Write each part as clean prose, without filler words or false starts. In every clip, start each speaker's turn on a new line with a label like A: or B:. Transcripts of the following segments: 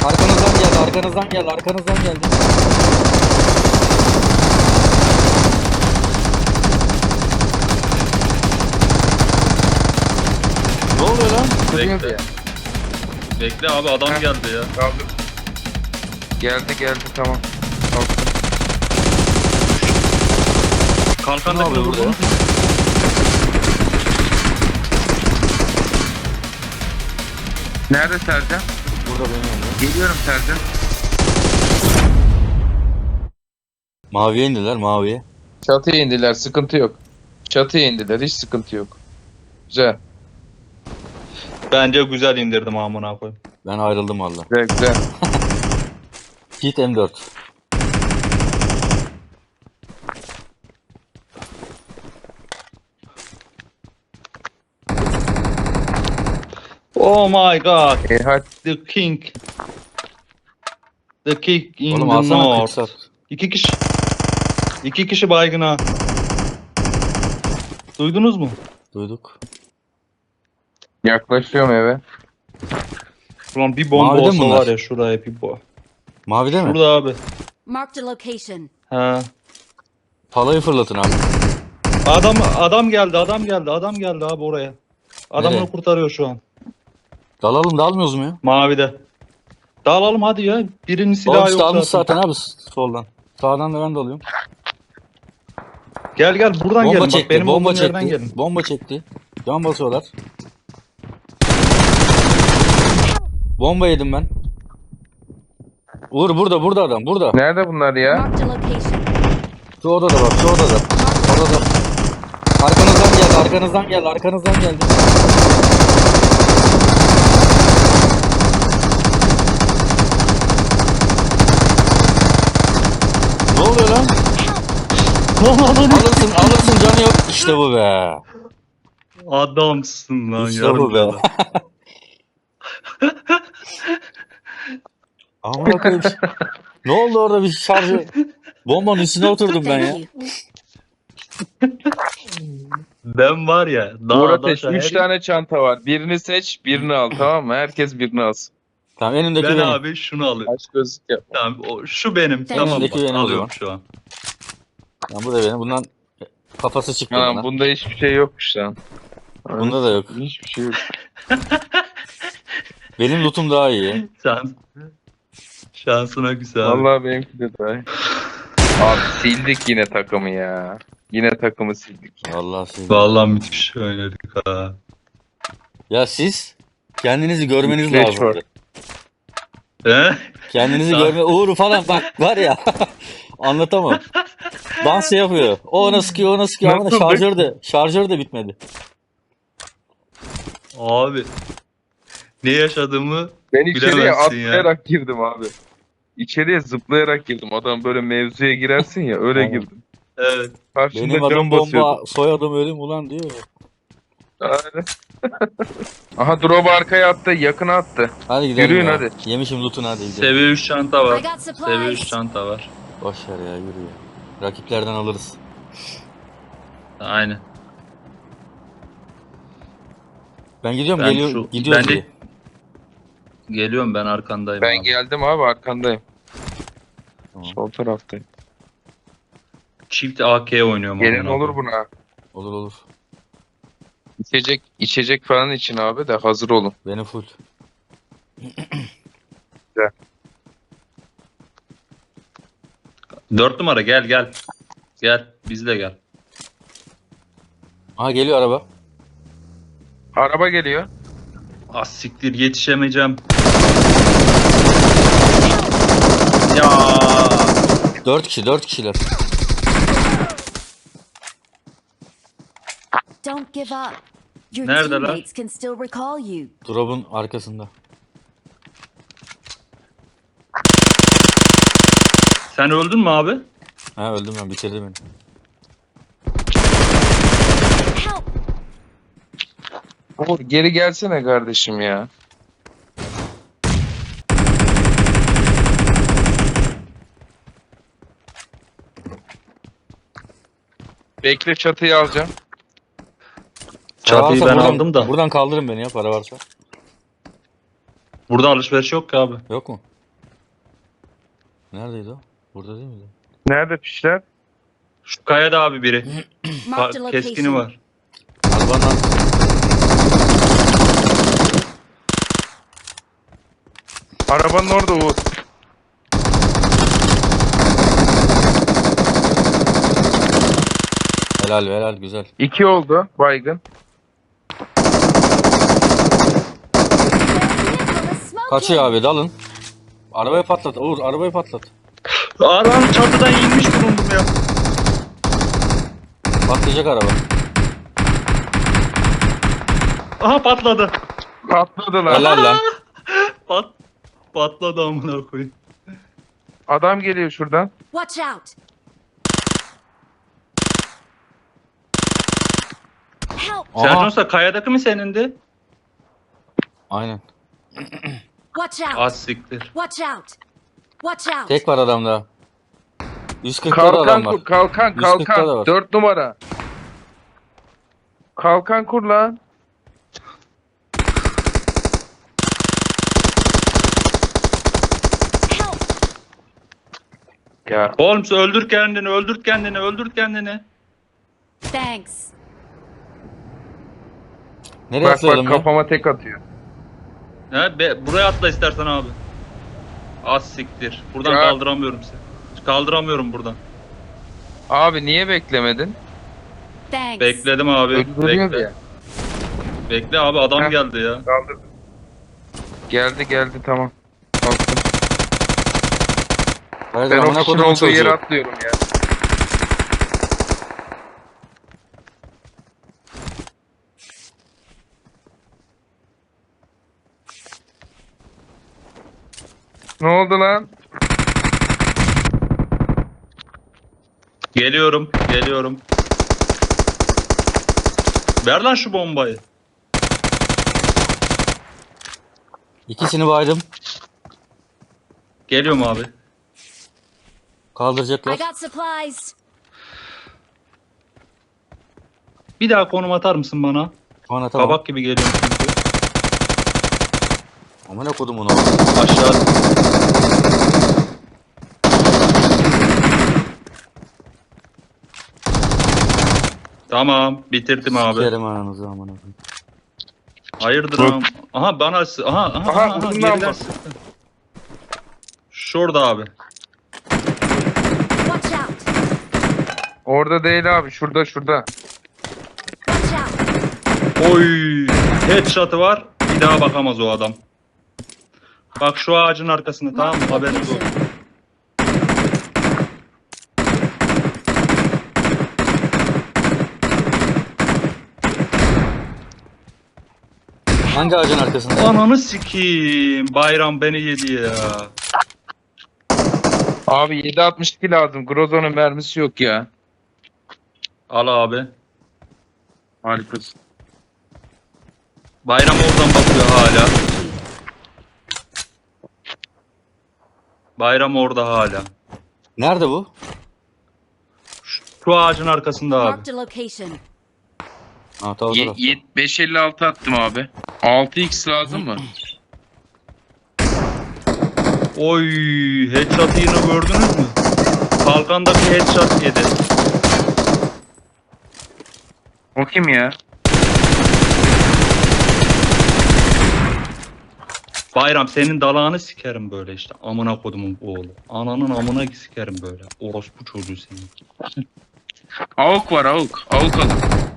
A: Arkanızdan geldi, arkanızdan geldi, arkanızdan geldi. Ne oluyor lan?
B: Bekle.
C: Ya.
B: Bekle abi adam
C: Heh.
B: geldi ya.
C: Kaldı. Geldi tamam. Kalktım.
B: Kalkandakini
A: Ne yapıyor
B: vurdun mu?
C: Nerede Sercan?
A: Burada benim yanımda.
C: Geliyorum Sercan.
A: Maviye indiler, maviye.
C: Çatıya indiler, sıkıntı yok. Çatıya indiler, hiç sıkıntı yok. Güzel.
B: Bence güzel indirdim amına koyayım.
A: Ben ayrıldım valla.
C: Güzel.
A: Git M4.
B: Oh my god.
C: Hadi.
B: The king. The king in
A: Oğlum
B: the
A: alsana
B: north.
A: kırsat.
B: İki kişi baygına. Duydunuz mu?
A: Duyduk.
C: Yaklaşıyorum eve.
B: Ulan bir bomba
A: Mavide mi
B: olsa
A: bunlar?
B: var ya şuraya bir bomba.
A: Mavide mi?
B: Şurada abi.
D: Marked a location.
B: He.
A: Palayı fırlatın abi.
B: Adam geldi abi oraya. Adamını
A: Nereye?
B: kurtarıyor şu an.
A: Dalalım, dalmıyoruz mu ya?
B: Mavide. Dağılalım hadi ya. Birinin
A: Oğlum
B: silahı
A: işte
B: yok
A: almış
B: zaten.
A: zaten abi soldan. Sağdan da ben dalıyorum.
B: Gel buradan
A: Bomba
B: gelin. Bak
A: çekti,
B: benim
A: bomba
B: olduğum yerden
A: çekti.
B: gelin.
A: Bomba çekti. Can basıyorlar. Bomba yedim ben. Uğur burada adam, burada.
C: Nerede bunlar ya?
D: Marked a location.
A: Şu odada bak, şu odada. Odada. Arkanızdan geldi. Ne oluyor lan? Alırsın canı yok. İşte bu be.
B: Adamsın lan
A: İşte bu be.
B: yarım
A: Amına koyayım. Ne oldu orada bir şarjı? Bombanın üstüne oturdum ben ya.
D: Thank you.
B: Ben var ya.
C: Uğur Ateş,
B: daşa
C: 3
B: her-
C: tane çanta var. Birini seç, birini al, tamam mı? Herkes birini alsın.
A: Tamam önündeki
B: Ben
A: benim.
B: abi şunu alıyorum.
C: Aç gözlük yapma.
B: Tamam şu benim.
D: Tamam.
B: Tamam
A: Öndeki
B: bak,
A: benim o
B: alıyorum
A: zaman.
B: şu an.
A: Tamam, bu da benim. Bundan kafası çıktı
C: Anam
A: bana.
C: bunda hiçbir şey yokmuş lan.
A: Bunda da yok.
C: Hiçbir şey yok.
A: Benim lootum daha iyi.
B: Şansına güzel abi.
C: Vallahi benimki de daha iyi. Abi sildik yine takımı ya. Yine takımı sildik.
A: Vallahi siz.
B: Vallahi müthiş oynadık ha.
A: Ya siz kendinizi görmeniz
C: Flash
A: lazım.
C: var.
B: He?
A: Kendinizi
B: Tamam.
A: görme. Uğur falan bak var ya. Anlatamam. Dans yapıyor. O ona sıkıyor, ona sıkıyor ama
C: Nasıldık?
A: şarjör de bitmedi.
B: Abi. Ne yaşadığımı
C: Ben içeriye
B: bilemezsin ya.
C: atlayarak girdim abi. İçeriye zıplayarak girdim. Adam böyle mevzuya girersin ya, öyle
A: Aynen.
C: girdim.
B: Evet.
C: Karşımda
A: Benim adım
C: can
A: bomba,
C: basıyordu.
A: soyadım ölüm ulan diyor ya.
C: Aynen. Aha drop arkaya attı, yakına attı.
A: Hadi gidelim
C: Yürüyün
A: ya.
C: hadi.
A: Yemişim loot'unu hadi gidelim.
B: Seviye 3 çanta
D: I
B: var.
D: got
B: Seviye 3
D: supplies.
B: çanta var.
A: Boş ver ya, yürü ya. Rakiplerden alırız.
B: Aynen.
A: Ben gidiyorum,
B: Ben
A: gidiyoruz
B: ben de
A: diye.
B: geliyorum ben arkandayım.
C: Ben
B: abi.
C: geldim abi, arkandayım.
A: Tamam.
C: Sol taraftayım.
B: Çift AK oynuyorum.
C: Gelin
B: amına
C: olur
B: koyayım.
C: buna.
A: Olur.
C: İçecek falan için abi de hazır olun.
A: Benim full.
B: 4 numara gel. Gel bizle gel.
A: Aha geliyor araba.
C: Araba geliyor.
B: Ah siktir yetişemeyeceğim. Ya
A: 4 kişiler.
D: Don't give up. Your
B: Neredeler?
D: teammates can still recall you.
A: Drop'un arkasında.
B: sen öldün mü abi?
A: Ha öldüm ben, bitirdi beni.
D: Help!
C: Uğur geri gelsene kardeşim ya. Bekle, çatıyı alacağım.
A: Para
B: Çatıyı
A: varsa
B: ben
A: buradan,
B: aldım da.
A: Buradan kaldırın beni ya, para varsa.
B: Burada alışveriş yok ki abi.
A: Yok mu? Neredeydi o? Burada değil miydi?
C: Nerede pişler?
B: Şu kayada abi biri.
D: Marked a
B: Keskini
D: location.
B: var.
A: Arabanın arkasında.
C: Arabanın orada Uğur.
A: Helal helal güzel.
C: 2 oldu baygın.
D: Their vehicle is
A: Kaçıyor
D: smoking.
A: abi dalın. Arabayı patlat Uğur arabayı patlat.
B: Arabanın çatıdan inmiş bulundum ya.
A: Patlayacak araba.
B: Aha patladı.
C: Patladı lan.
A: Helal lan.
B: Patladı amına koyayım.
C: Adam geliyor şuradan.
D: Watch out. Help.
A: Aha.
B: Sercan Usta kayadaki mi senindi?
A: Aynen.
D: Watch out.
B: Az siktir.
D: Watch out. Watch out.
A: Tek var adamda. 140'ta da
C: Kalkan
A: adam var.
C: kur, kalkan,
A: 140'ta da
C: kalkan.
A: var.
C: 4 numara. Kalkan kur lan.
D: Help.
C: Ya
B: Holmes öldür kendini, öldür kendini, öldür kendini.
D: Thanks.
A: Nereye
C: bak
A: atlayalım ya?
C: kafama tek atıyor.
B: Buraya atla istersen abi. Az siktir. Buradan
C: Ya.
B: kaldıramıyorum seni. Kaldıramıyorum buradan.
C: Abi niye beklemedin?
D: Thanks.
B: Bekledim abi.
C: Öldürüyor
B: Bekle.
C: ya.
B: Bekle abi adam
C: Heh.
B: geldi ya.
C: Kaldırdım. Geldi tamam. Kalktım.
A: Hayır,
C: Ben o
A: amına
C: kişinin
A: kodumun
C: olduğu yere
A: çocuğu.
C: atlıyorum ya. Ne oldu lan?
B: Geliyorum, geliyorum. Ver lan şu bombayı.
A: İkisini baydım.
B: Geliyorum abi.
D: I
A: Kaldıracaklar.
D: got supplies.
B: Bir daha konum atar mısın bana?
A: Bana tamam.
B: Kabak gibi geliyorum çünkü.
A: Amına kodumun
B: Aşağı. Tamam, bitirdim abi.
A: Sikerim ananızı amına koyayım.
B: Hayırdır
C: Bak.
B: ağam? Aha bana
C: Aha, uzun
B: geriden
C: lamba.
B: sıktı. Şurada abi.
D: Watch out.
C: Orada değil abi. Şurada.
D: Watch out.
B: Oy! Headshot'ı var. Bir daha bakamaz o adam. Bak şu ağacın arkasında tamam mı?
D: Marked a
B: Haberiniz olsun.
D: location.
A: Hangi ağacın arkasında?
B: Ananı sikeyim. Bayram beni yedi ya.
C: Abi 7.62 lazım. Grozo'nun mermisi yok ya.
B: Al abi.
C: Harikasın.
B: Bayram oradan bakıyor hala. Bayram orada hala.
A: Nerede bu?
B: Şu ağacın arkasında abi.
D: Marked a location.
A: Ha tamam.
C: 5.56 attım abi. 6x lazım mı?
B: Oy, headshot yine gördünüz mü? Kalkandaki headshot yedi.
C: O kim ya?
B: Bayram senin dalağını sikerim böyle işte. Amına kodumun oğlu. Ananın amına sikerim böyle. Orospu çocuğu senin.
C: Avuk var avuk. Avuk alın.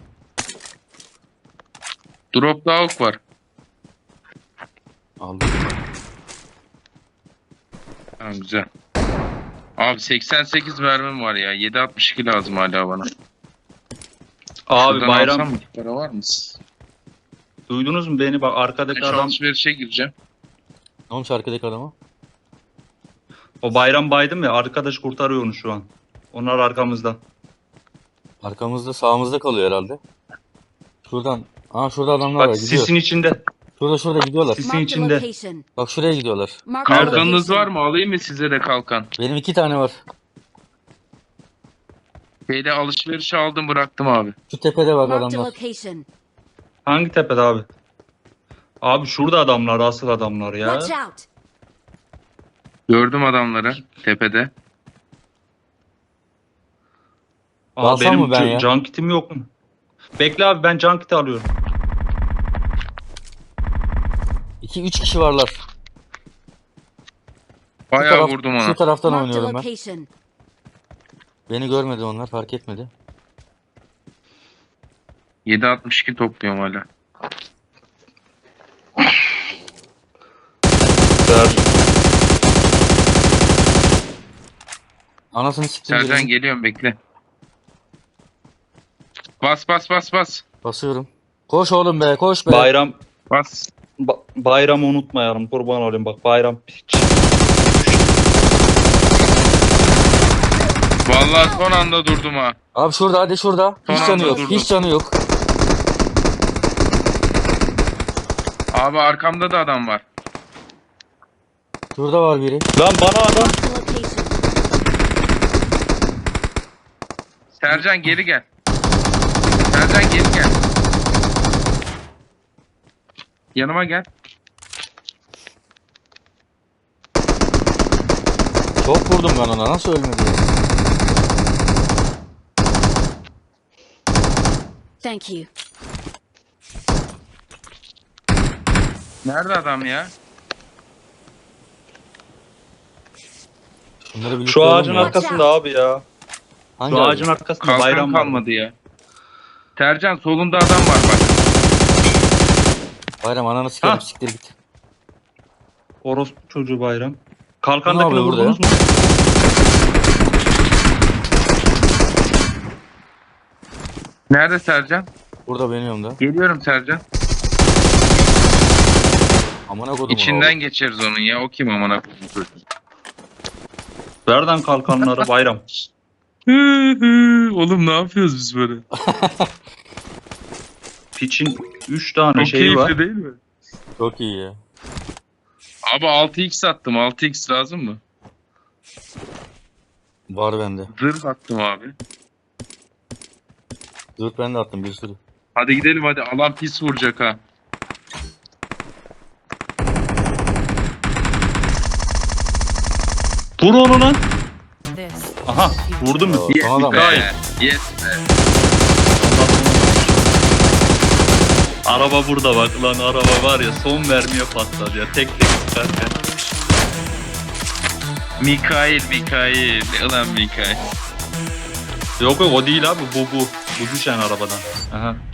C: Drop'ta avuk var.
A: Aldım.
C: Tamam güzel. Abi 88 mermim var ya. 7.62 lazım hala bana.
B: Abi
C: Şuradan
B: bayram
C: alsam mı? Para var mı?
B: duydunuz mu beni? Bak arkadaki
C: Ben şu
B: adam
C: alışverişe gireceğim.
A: Ne olmuş arkadaki adama?
B: o bayram baydım ya arkadaş kurtarıyor onu şu an. Onlar arkamızda.
A: Arkamızda sağımızda kalıyor herhalde. Şuradan. Aa şurada adamlar var
B: Bak
A: gidiyor.
B: sisin içinde.
A: Şurada gidiyorlar.
B: Sis-
D: Marked a
B: içinde.
D: location.
A: Bak şuraya gidiyorlar.
D: Marked a
B: Nerede?
C: Kalkanınız
D: location.
C: var mı? Alayım mı size de kalkan?
A: Benim 2 tane var.
C: Şeyde alışverişe aldım bıraktım abi.
A: Şu tepede bak
D: Marked a
A: adamlar.
D: location.
B: Hangi tepede abi? Abi şurada adamlar asıl adamlar ya.
D: Watch out.
C: Gördüm adamları tepede.
A: Alsam
B: benim
A: mı ben ya?
B: can kitim yok mu? Bekle abi, ben can kiti alıyorum.
A: 2-3 kişi varlar.
C: Bayağı vurdum ona.
A: Şu taraftan
D: Marked a
A: oynuyorum ben.
D: location.
A: Beni görmedi onlar, fark etmedi.
C: 7.62 topluyorum hala.
A: Anasını siktim
C: Sercan
A: birinin.
C: geliyorum bekle. Bas bas bas bas.
A: Basıyorum. Koş oğlum be, koş be.
B: Bayram
C: Bas.
B: bayramı unutmayalım, kurban olayım, bak bayram piç.
C: Vallahi son anda durdum ha.
A: Abi şurada, hadi şurada.
C: Son
A: Hiç
C: anda
A: canı yok,
C: durdum.
A: hiç canı yok.
C: Abi arkamda da adam var.
A: Şurada var biri.
B: Lan bana adam.
D: Marked a location.
C: Sercan geri gel. Sercan geri gel. Yanıma gel.
A: Çok vurdum ben ona, nasıl ölmedi ya?
D: Thank you.
C: Nerede adam ya?
A: Şunları birlikte
B: Şu
A: alalım
B: ağacın
A: ya.
B: arkasında abi ya.
A: Hangi
B: Şu
A: ağacın?
B: ağacın arkasında
C: Kalkan
B: bayram var.
C: kalmadı ya. Sercan solunda adam var bak.
A: Bayram ananı sikerim,
B: Ha.
A: siktir git.
B: Orospu çocuğu bayram.
A: Ne
B: Kalkandakini
A: yapıyor burada
B: vurdunuz mu?
C: Nerede Sercan?
A: Burada benim yanımda.
C: Geliyorum Sercan.
A: Amına kodum.
C: İçinden geçeriz onun ya. O kim amına koyayım?
B: Nereden kalkanları bayram?
C: Oğlum ne yapıyoruz biz böyle?
B: Piçin 3 tane
C: Çok
B: şeyi
C: keyifli
B: var.
C: değil mi?
A: Çok iyi ya.
C: Abi 6x attım. 6x lazım mı?
A: Var bende.
C: Zırh attım abi.
A: Zırt ben de attım bir sürü.
C: Hadi gidelim hadi. Alan pis vuracak ha.
B: Vur onu lan. Aha vurdum mu?
A: Aa,
C: Yes
A: son adam.
C: be. Yes be.
B: Araba burada bak lan, araba var ya son mermiye patladı ya, tek tek çıkarken.
C: Mikail. Ulan Mikail.
B: Yok o değil abi, bu. Bu düşen arabadan. Aha.